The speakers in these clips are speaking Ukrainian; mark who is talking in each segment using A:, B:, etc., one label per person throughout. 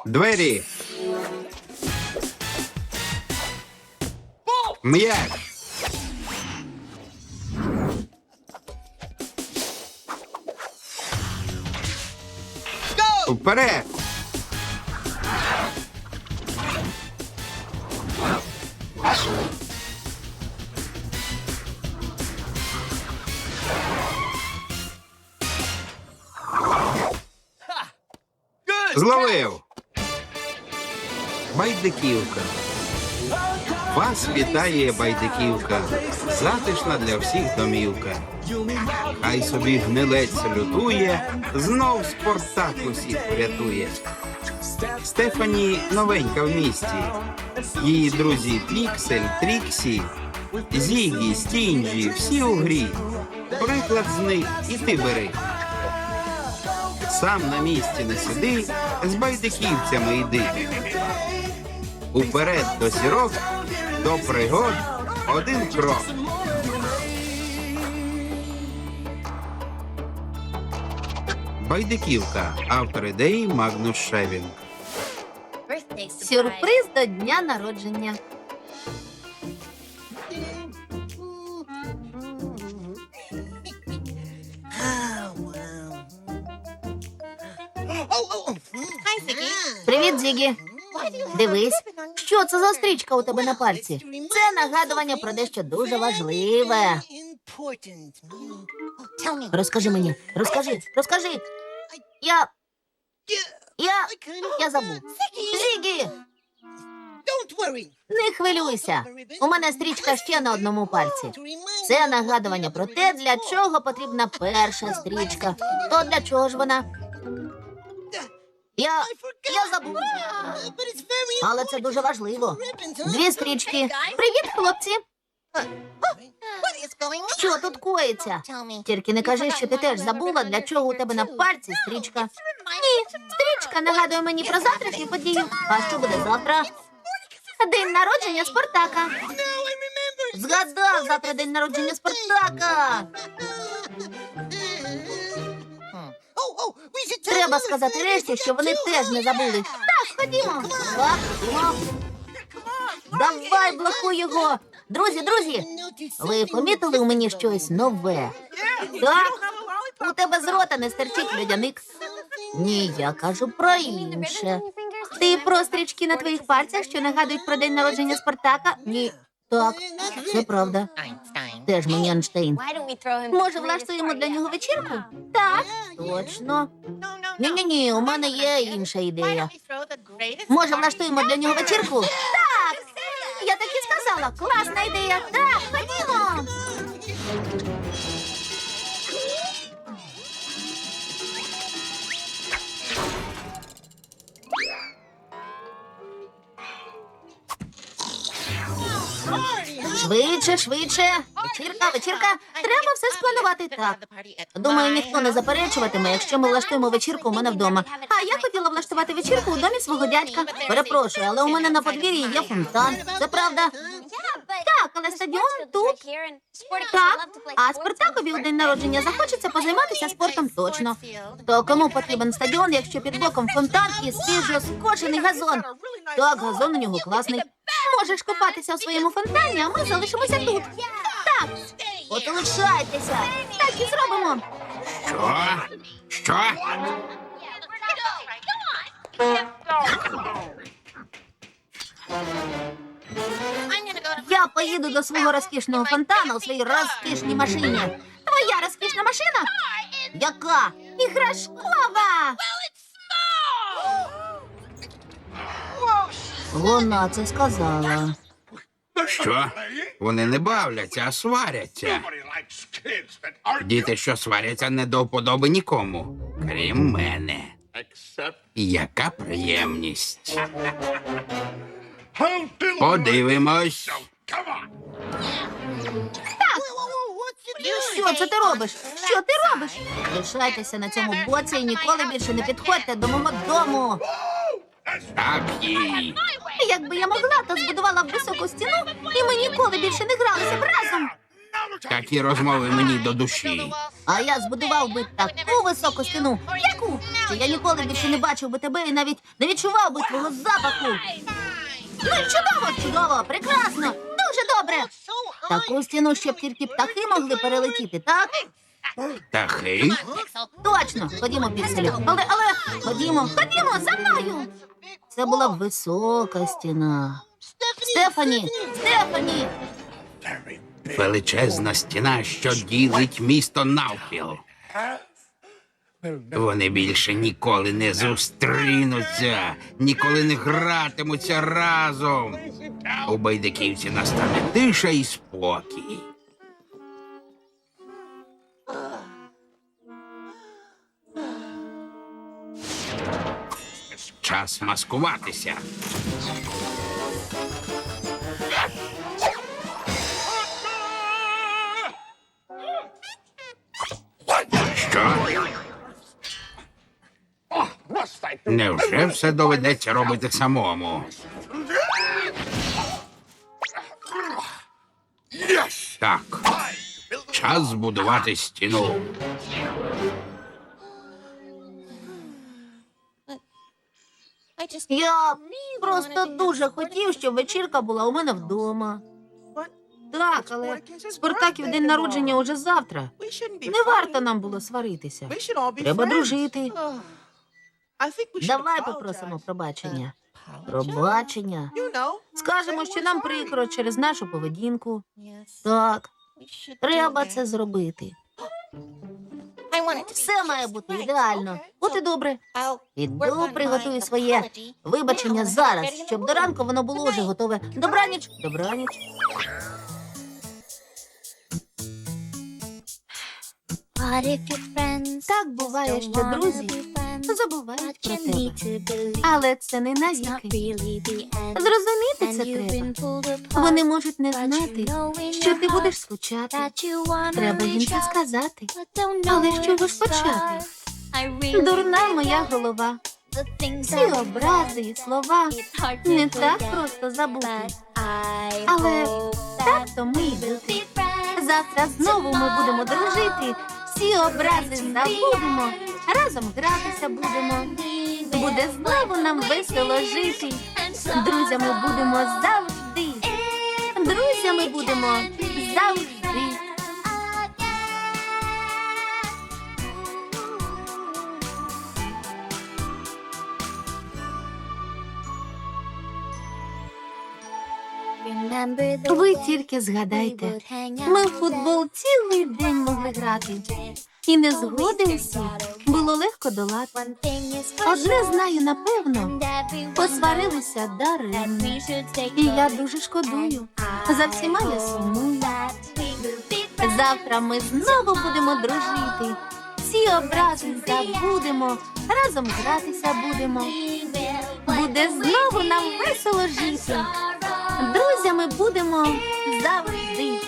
A: Двері. М'яч. Вперед. Зловив. Байдиківка. Вас вітає Байдиківка. Затишна для всіх домівка. Хай собі гнилець лютує, знов Спартак усіх врятує. Стефані новенька в місті. Її друзі Піксель, Тріксі, Зігі, Стінджі, всі у грі. Приклад з них і ти бери. Сам на місці не сиди, з байдиківцями йди. Уперед до зірок, до пригод один крок. Байдиківка. Автор ідеї Магнус Шевінг.
B: Сюрприз до дня народження. Привіт, Зігі. Дивись, що це за стрічка у тебе на пальці? Це нагадування про дещо дуже важливе. Розкажи мені, розкажи. Я забув. Зігі, не хвилюйся. У мене стрічка ще на одному пальці. Це нагадування про те, для чого потрібна перша стрічка. То для чого ж вона? Я забув. Але це дуже важливо. Дві стрічки. Привіт, хлопці. Що тут коїться? Тільки не кажи, що ти теж забула, для чого у тебе на пальці стрічка. Ні, стрічка нагадує мені про завтрашню подію. А що буде завтра? День народження Спартака. Згадав, завтра день народження Спартака. Треба сказати решті, що вони теж не забули. Так, ходімо. Давай, блокуй його. Друзі, ви помітили у мені щось нове? Так? У тебе з рота не стерчить льодяник. Ні, я кажу про інше. Ти про стрічки на твоїх пальцях, що нагадують про день народження Спартака? Ні. Так, це правда. Теж мені Ейнштейн. Може, влаштуємо для нього вечірку? Так, точно. Ні, у мене є інша ідея. Може, влаштуємо для нього вечірку? Так! Я так і сказала. Класна ідея. Так, ходімо. Швидше. Вечірка. Треба все спланувати так. Думаю, ніхто не заперечуватиме, якщо ми влаштуємо вечірку у мене вдома. А я хотіла влаштувати вечірку у домі свого дядька. Перепрошую, але у мене на подвір'ї є фонтан. Це правда? Так, але стадіон тут. Так, а Спартакові у день народження захочеться позайматися спортом точно. То кому потрібен стадіон, якщо під боком фонтан і свіжо скошений газон? Так, газон у нього класний. Можеш купатися у своєму фонтані, а ми залишимося тут. Так, от лишайтеся. Так і зробимо.
A: Що?
B: Я поїду до свого розкішного фонтану у своїй розкішній машині. Твоя розкішна машина? Яка? Іграшкова! Вона це сказала.
A: Що? Вони не бавляться, а сваряться. Діти, що сваряться, не до вподоби нікому, крім мене. Яка приємність. Подивимось.
B: Що це ти робиш? Лишайтеся на цьому боці і ніколи більше не підходьте до мого дому.
A: Так їй.
B: Якби я могла, то збудувала б високу стіну, і ми ніколи більше не гралися б разом.
A: Такі розмови мені до душі.
B: А я збудував би таку високу стіну. Яку? нащо? Я ніколи більше не бачив би тебе і навіть не відчував би твого запаху. Ну, чудово, прекрасно, дуже добре. Таку стіну, щоб тільки птахи могли перелетіти, так?
A: Птахи?
B: Точно, ходімо, Пікселю. Але, ходімо, за мною. Це була висока стіна. Стефані!
A: Величезна стіна, що ділить місто навпіл. Вони більше ніколи не зустрінуться, ніколи не гратимуться разом. У байдиківці настане тиша і спокій. Час маскуватися. Що? Невже все доведеться робити самому? Так. Час збудувати стіну.
B: Я просто дуже хотів, щоб вечірка була у мене вдома. Так, але Спартаків день народження уже завтра. Не варто нам було сваритися. Треба дружити. Давай попросимо пробачення. Пробачення. Скажемо, що нам прикро через нашу поведінку. Так, треба це зробити. Все має бути ідеально. От і добре. Іду, приготую своє вибачення зараз, щоб до ранку воно було вже готове. Добраніч. Так буває, що друзі забувають про тебе. Але це не навіки. Зрозуміти це треба. Вони можуть не знати, що ти будеш скучати. Треба їм це сказати. Але з чого ж почати? Дурна моя голова. Ці образи і слова не так просто забути. Але так то ми йдуть. Завтра знову ми будемо дружити. Всі образи забудемо. Разом гратися будемо. Буде знову нам весело жити. Друзями будемо завжди. Друзями будемо завжди. Ви тільки згадайте, ми в футбол цілий день могли грати. І незгоди усі було легко долати. Одне знаю напевно, посварилися даремно. І я дуже шкодую, за всіма я сумую. Завтра ми знову будемо дружити. Всі образи забудемо, разом гратися будемо. Буде знову нам весело жити. Друзями будемо завжди.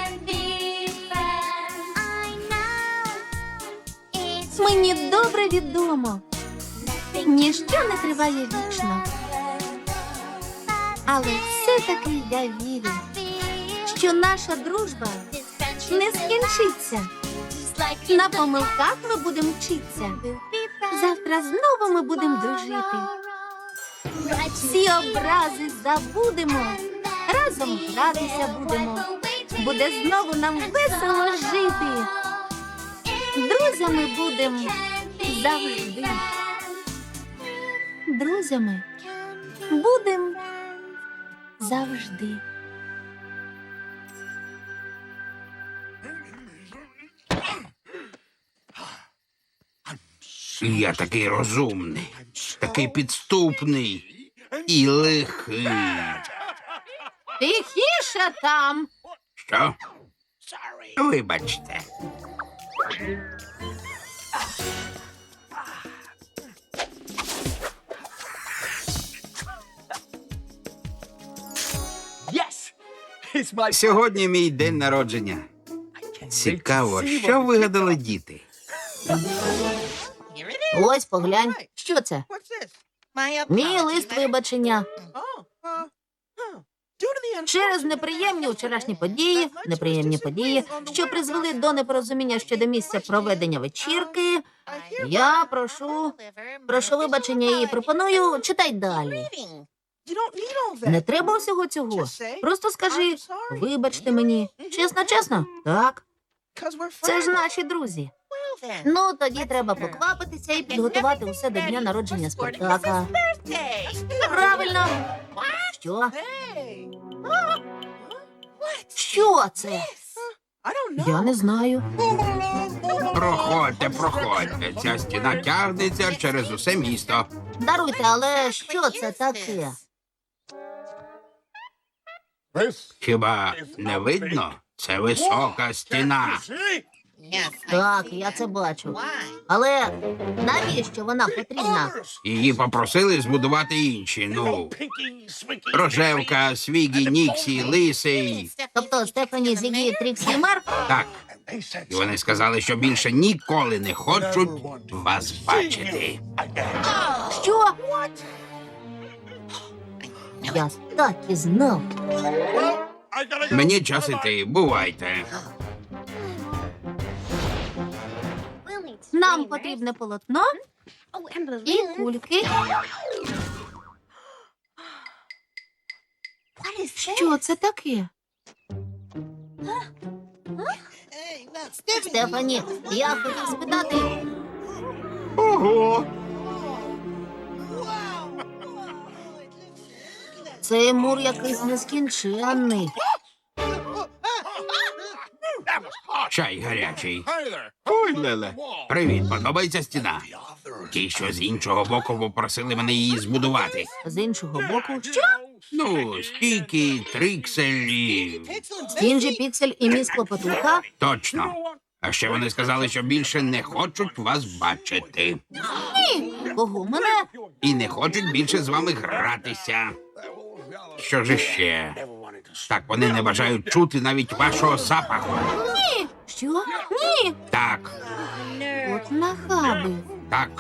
B: Мені добре відомо, ніщо не триває вічно. Але все-таки я вірю, що наша дружба не скінчиться. На помилках ми будемо вчитися. Завтра знову ми будемо дружити. Всі образи забудемо, разом гратися будемо. Буде знову нам весело жити. Друзями будемо завжди. Друзями будемо завжди.
A: Я такий розумний, такий підступний і лихий.
B: Тихіше там.
A: Що? Вибачте. Сьогодні мій день народження. Цікаво, що вигадали діти?
B: Ось, поглянь. Що це? Мій лист вибачення. Через неприємні неприємні події, що призвели до непорозуміння щодо місця проведення вечірки, я прошу вибачення і пропоную, читай далі. Не треба всього цього. Просто скажи, вибачте мені. Чесно? Так. Це ж наші друзі. Ну, тоді треба поквапитися і підготувати усе до дня народження Спартака. Правильно. Що? Що це? Я не знаю.
A: Проходьте. Ця стіна тягнеться через усе місто.
B: Даруйте, але що це таке?
A: Хіба не видно? Це висока стіна.
B: Так, я це бачу. Але навіщо вона потрібна?
A: Її попросили збудувати інші. Ну, Рожевка, Свігі, Ніксі, Лисий.
B: Тобто Стефані, Зігі, Тріксі і Марк?
A: Так. І вони сказали, що більше ніколи не хочуть вас бачити.
B: Що? Я так і знав.
A: Мені час іти. Бувайте.
B: Нам потрібне полотно і кульки. Що це таке? Стефані, я хотів спитати.
A: Ого!
B: Цей мур якийсь нескінченний.
A: Чай гарячий. Ой, Леле. Привіт, подобається стіна? Ті, що з іншого боку попросили мене її збудувати.
B: З іншого боку, що?
A: Ну, Стікі, Трікселі.
B: Стінджі, Піксель і міс Клопотуха?
A: Точно. А ще вони сказали, що більше не хочуть вас бачити.
B: Кого мене?
A: І не хочуть більше з вами гратися. Що ж іще? Так, вони не бажають чути навіть вашого запаху.
B: Ні. Що? Ні.
A: Так,
B: От нахаби.
A: так.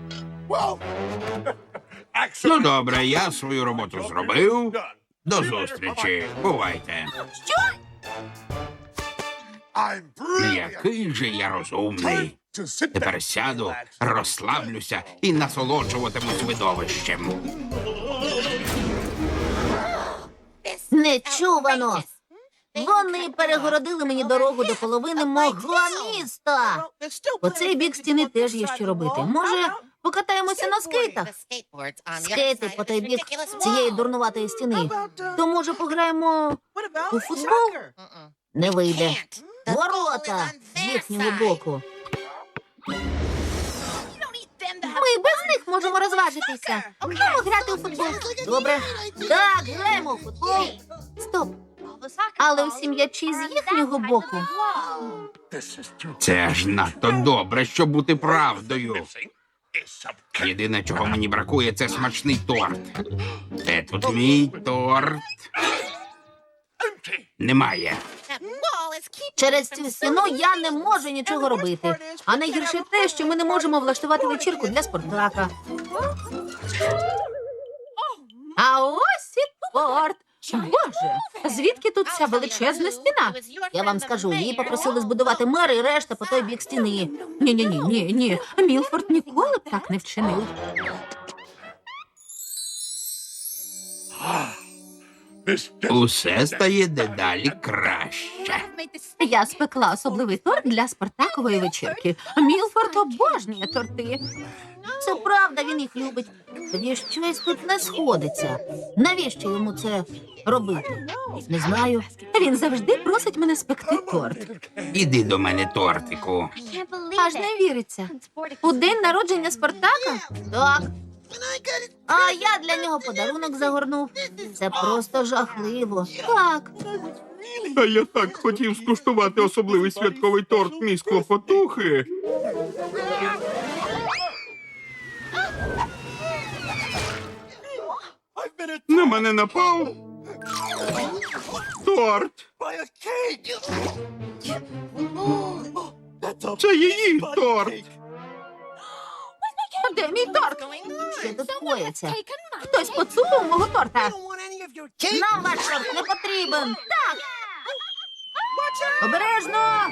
A: Ну, добре, я свою роботу зробив. До зустрічі. Бувайте. Який же я розумний. Тепер сяду, розслаблюся і насолоджуватимусь видовищем.
B: Нечувано. Вони перегородили мені дорогу до половини мого міста. По цей бік стіни теж є що робити. Може, покатаємося на скейтах? Скейти по той бік цієї дурнуватої стіни. То, може, пограємо у футбол? Не вийде. Ворота з їхнього боку. Ми без них можемо розважитися. Граємо грати у футбол. Добре. Так, граємо у футбол. Стоп. Але всі м'ячі з їхнього боку.
A: Це аж надто добре, щоб бути правдою. Єдине, чого мені бракує, це смачний торт. Де тут мій торт? Немає.
B: Через цю стіну я не можу нічого робити. А найгірше те, що ми не можемо влаштувати вечірку для Спартака. А ось і торт. Боже, звідки тут ця величезна стіна? Я вам скажу, її попросили збудувати мер і решта по той бік стіни. Ні. Мілфорд ніколи б так не вчинив.
A: Усе стає дедалі краще.
B: Я спекла особливий торт для Спартакової вечірки. Мілфорд обожнює торти. Це правда, він їх любить. Тоді щось тут не сходиться. Навіщо йому це робити? Не знаю. Він завжди просить мене спекти торт.
A: Іди до мене, тортику.
B: Аж не віриться. У день народження Спартака? Так. А я для нього подарунок загорнув. Це просто жахливо. Так.
A: А я так хотів скуштувати особливий святковий торт міс Клопотухи. На мене напав торт. Це її торт.
B: Де мій торт? Що тут коїться? Хтось поцупив мого торта. Нам ваш торт не потрібен. Так. Обережно.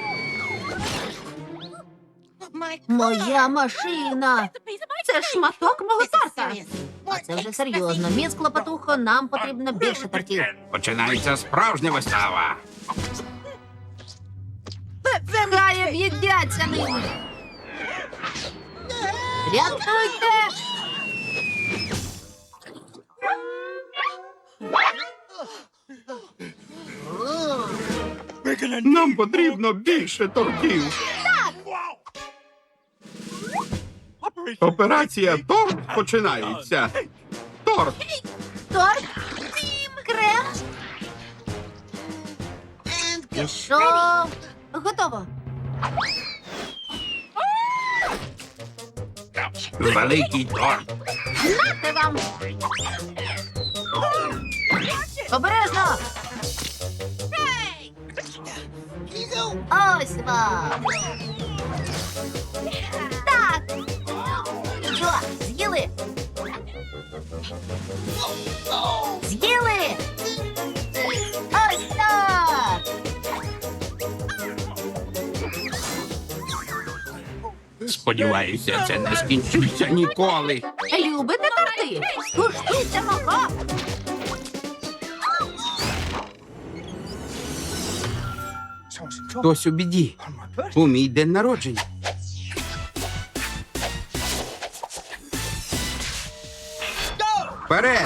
B: Моя машина. Це ж шматок мого торта. А це вже серйозно. Міс Клопотухо, нам потрібно більше тортів.
A: Починається справжня вистава.
B: Хай об'їдяться ними. Рятуйте!
A: Нам потрібно більше тортів. Операція торт починається. Торт.
B: Торт, крем. Пішов. Готово.
A: Великий торт.
B: Нате вам. Обережно. Ось вам. Так. Що, з'їли? З'їли? Ось так.
A: Сподіваюся, це не скінчиться ніколи.
B: Любите торти? Скуштуйте мого.
A: Хтось у біді. У мій день народження. Вперед!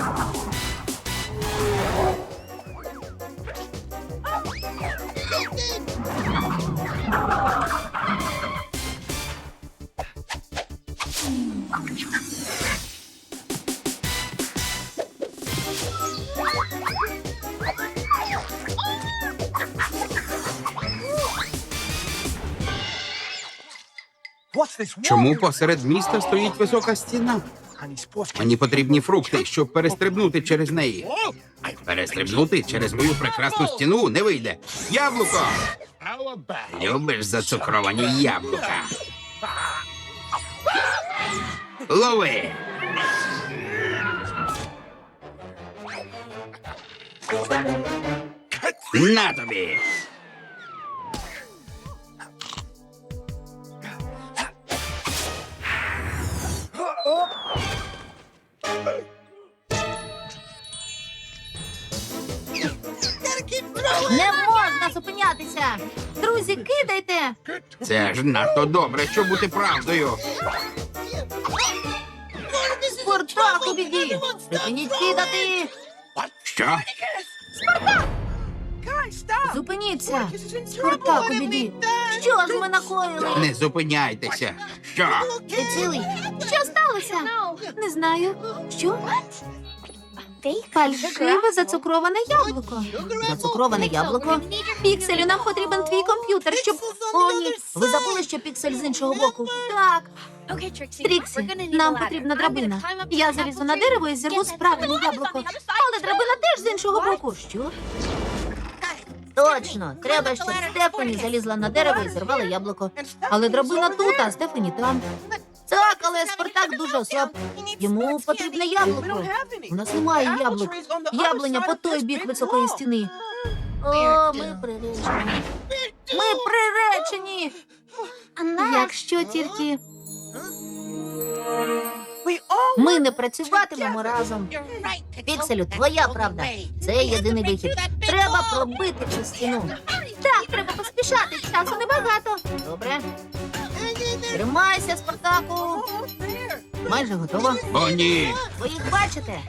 A: Чому посеред міста стоїть висока стіна? Мені потрібні фрукти, щоб перестрибнути через неї. Перестрибнути через мою прекрасну стіну не вийде. Яблуко! Любиш зацукровані яблука? Лови! На тобі!
B: Не можна зупинятися. Друзі, кидайте.
A: Це ж надто добре, щоб бути правдою.
B: Спартак у біді. Припиніть кидати.
A: Що?
B: Зупиніться. Спартак у біді. Що ж ми накоїли?
A: Не зупиняйтеся. Що?
B: Ти цілий? Що сталося? Не знаю. Що? Фальшиве зацукроване яблуко. Зацукроване яблуко? Пікселю, нам потрібен твій комп'ютер, щоб... О, ні. Ви забули, що піксель з іншого боку? Так. Тріксі, нам потрібна драбина. Я залізу на дерево і зірву справжнє яблуко. Але драбина теж з іншого боку. Що? Точно. Треба, щоб Стефані залізла на дерево і зірвала яблуко. Але драбина тут, а Стефані там. Так, але Спартак дуже ослаб. Йому потрібне яблуко. У нас немає яблук. Яблуня по той бік високої стіни. О, ми приречені. Ми приречені. Якщо тільки ми не працюватимемо разом. Пікселю, твоя правда. Це єдиний вихід. Треба пробити цю стіну. Так, треба поспішати. Часу небагато. Добре. Тримайся, Спартаку. Майже готово.
A: О, ні.
B: Ви їх бачите?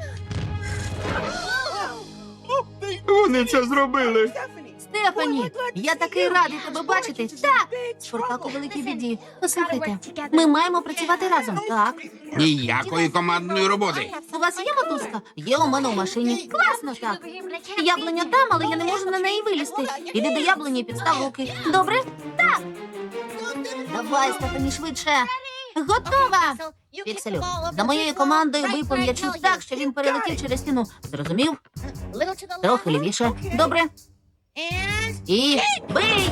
A: Вони це зробили.
B: Стефані, я такий радий тебе бачити. Так, Спартак у великій біді. Послухайте, ми маємо працювати разом. Так.
A: Ніякої командної роботи.
B: У вас є мотузка? Є у мене в машині. Класно так. Яблуня там, але я не можу на неї вилізти. Іди до яблуні і підстав руки. Добре? Так. Давай, Стефані, швидше. Готова. Пікселю, за моєю командою випав м'ячу так, що він перелетів через стіну. Зрозумів? Трохи лівіше. Добре. І бий!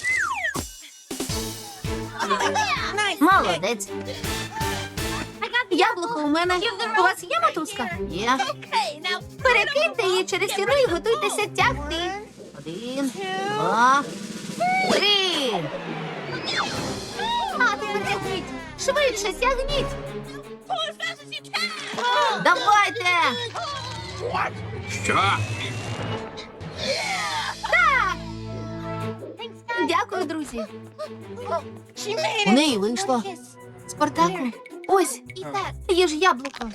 B: Молодець. Яблуко у мене. У вас є мотузка? Є. Перекиньте її через стіну і готуйтеся тягти. 1, 2, 3. А тепер тягніть. Швидше тягніть. Давайте.
A: Що?
B: Дякую, друзі. У неї вийшло. Спартаку, ось, є ж яблуко.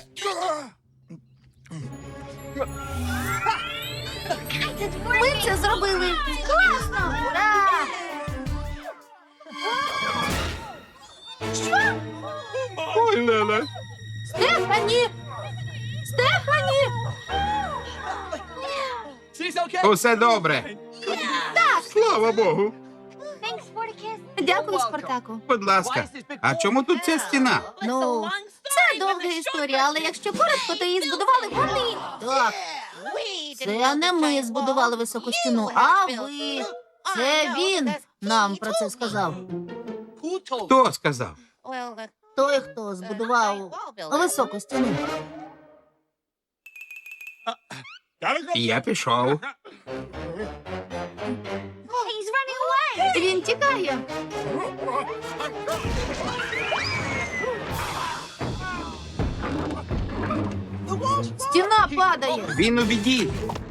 B: Ми це зробили. Класно! Ура! Що?
A: Ой, Леле.
B: Стефані! Стефані!
A: Усе добре.
B: Так,
A: Слава Богу.
B: дякую, Спартаку.
A: Будь ласка. А чому тут ця стіна?
B: Ну, це довга історія, але якщо коротко, то її збудували вони. Так, це не ми збудували високу стіну, а ви. Це він нам про це сказав.
A: Хто сказав?
B: Той, хто збудував високу стіну.
A: Я пішов.
B: Він тікає. Стіна падає.
A: Він у біді.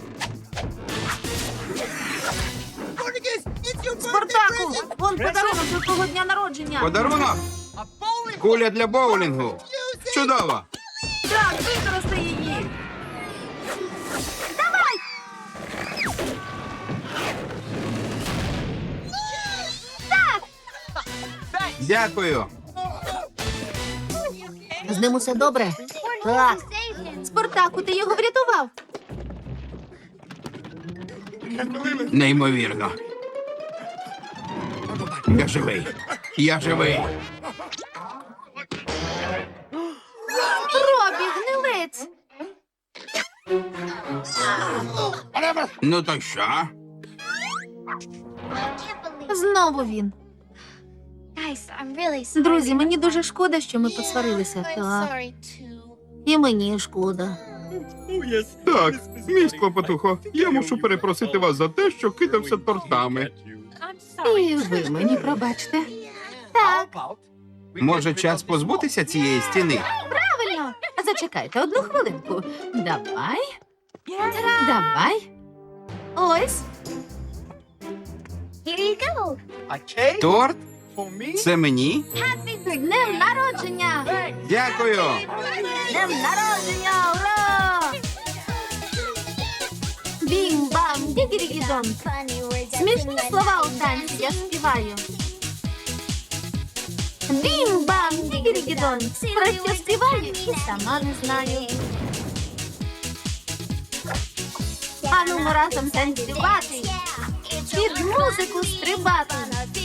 B: Спартаку, вон подарунок до твого дня народження.
A: Подарунок? Куля для боулінгу. Чудово.
B: Так, використай її. Давай! Так!
A: Дякую.
B: З ним усе добре? Так. Спартаку, ти його врятував.
A: Неймовірно. Я живий. Я живий.
B: Робі, гнилець.
A: Ну то що?
B: Знову він. Друзі, мені дуже шкода, що ми посварилися. Так. І мені шкода.
A: Так, мій клопотухо, я мушу перепросити вас за те, що кидався тортами.
B: І ви мені пробачте. Так,
A: Може, час позбутися цієї стіни?
B: правильно. Зачекайте одну хвилинку. Давай. Давай. Ось.
A: Торт? Це мені?
B: З днем народження!
A: Дякую.
B: Днем народження! Ура! Бім-бам, дігірігідон. Смішні слова у танці я співаю. Бім-бам, дігірігідон. Про що співаю і сама не знаю. Ану, ми разом танцювати. Під музику стрибати.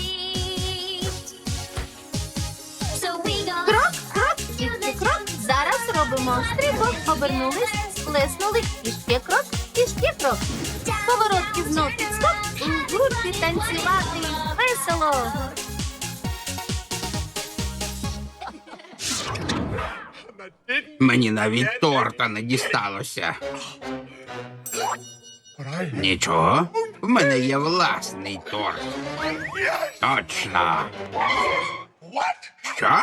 B: Крок, крок, тільки крок. Зараз робимо стрибок. Обернулись, сплеснули. І ще крок, і ще крок. Поворотки знов підскок. У групі танцювати. Весело.
A: Мені навіть торта не дісталося. Нічого, в мене є власний торт. Точно. Що?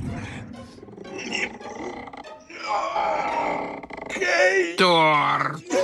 A: Торт.